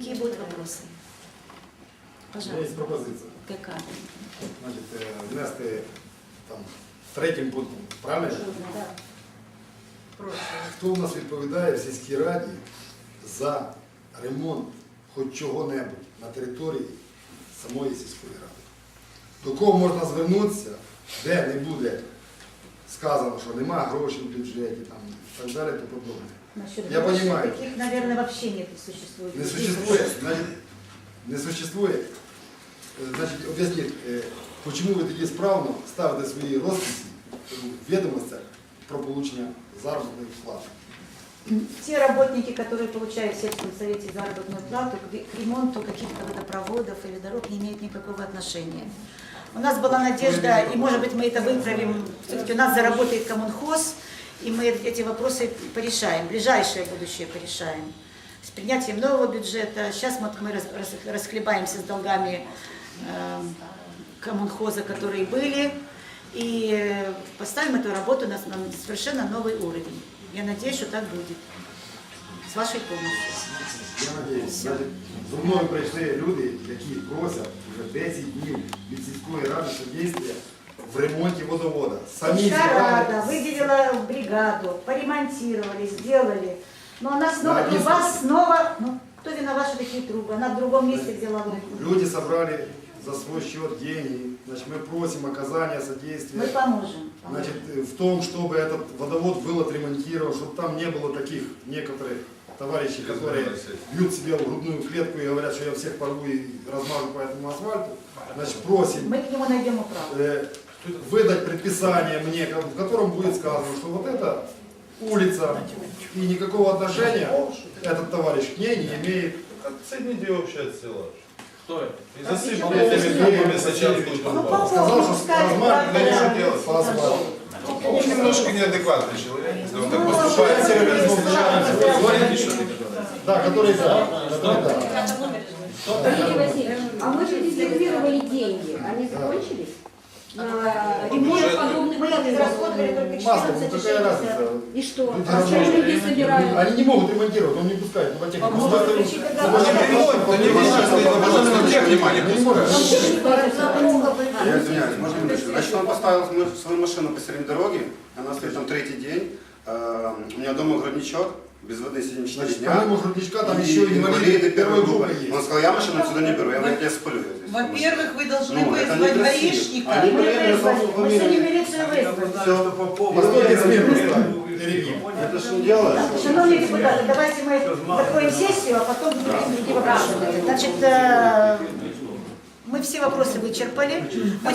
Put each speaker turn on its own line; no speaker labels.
Какие будут вопросы?
У меня есть
Пожалуйста.
пропозиція.
Какая?
Значить, внести там третім пунктом, правильно?
Да. Прошу.
Хто у нас відповідає в сільській раді за ремонт хоч чого-небудь на території самої сільської ради? До кого можна звернутися, де не буде сказано, що немає грошей в бюджеті там, і так далі, то подобне.
Насчет
Я
грошей
понимаю.
таких, наверное, вообще нет, существует.
Не существует. Значит, не существует. Значить, об'ясніть, чому ви тоді справно ставите свої розписи в відомостях про получення заробітної плати?
Те работники, которые получают в сельском совете заработную плату, к ремонту каких-то водопроводов или дорог не имеют никакого отношения. У нас была надежда, и может быть мы это выправим, все-таки у нас заработает коммунхоз, и мы эти вопросы порешаем, ближайшее будущее порешаем. С принятием нового бюджета, сейчас мы расхлебаемся с долгами коммунхоза, которые были, и поставим эту работу на совершенно новый уровень. Я надеюсь, что так будет. С вашей помощью.
Я надіюсь, значить, зо мною прийшли люди, які просять вже 10 днів від сільської ради содействия в ремонті водовода. Самі
Сельская
зібрали.
рада выделила бригаду, поремонтировали, сделали. Но она снова,
Да,
труба снова, ну, кто виноват, что такие трубы? Она в другом месте взяла руку.
Люди собрали за свой счет деньги. Значит, мы просим оказания содействия.
Мы поможем.
Значит, в том, чтобы этот водовод был отремонтирован, чтобы там не было таких некоторых товарищей, которые бьют себе в грудную клетку и говорят, что я всех порву и размажу по этому асфальту. Значит, просим
Мы к нему найдем управу.
выдать предписание мне, в котором будет сказано, что вот эта улица и никакого отношения этот товарищ к ней не имеет.
Оцените вообще от села.
Кто это?
И засыпал этими трубами сейчас будет
Ну,
вопрос.
Сказал, что
пускай
размах
правда,
нельзя
да.
делать по асфальту.
Он немножко неадекватный человек, если он так
Ну,
поступает.
Да, который да. Который да.
Валерий Васильевич, а мы же резервировали деньги, они закончились? На ремонт подобных
Мы израсходовали только
Масло, ну
14
какая разница?
И что?
Люди
А что
ремонтируют.
люди собирают?
Они не могут ремонтировать, он не пускает пневматехнику.
Он может включить договор.
Я извиняюсь, можно минуточку? Значит, он поставил свою машину посередине дороги, она стоит там третий день, у меня дома грудничок, без воды сидим 4
Значит,
дня.
помимо грудничка там еще и инвалиды первой группы есть.
Он сказал, я машину сюда не беру, я говорю, я спалю ее здесь.
Во-первых, вы должны
Ну, это
вызвать
некрасиво.
гаишника.
Они
Мы
проверили
вызвали, мы
фамилию.
сегодня милицию вызвали.
Все,
Постойте смирно стали перед ним.
это же не дело.
Так, шановные депутаты, давайте мы закроем сессию, а потом будем другие вопросы. Значит, мы все вопросы вычерпали.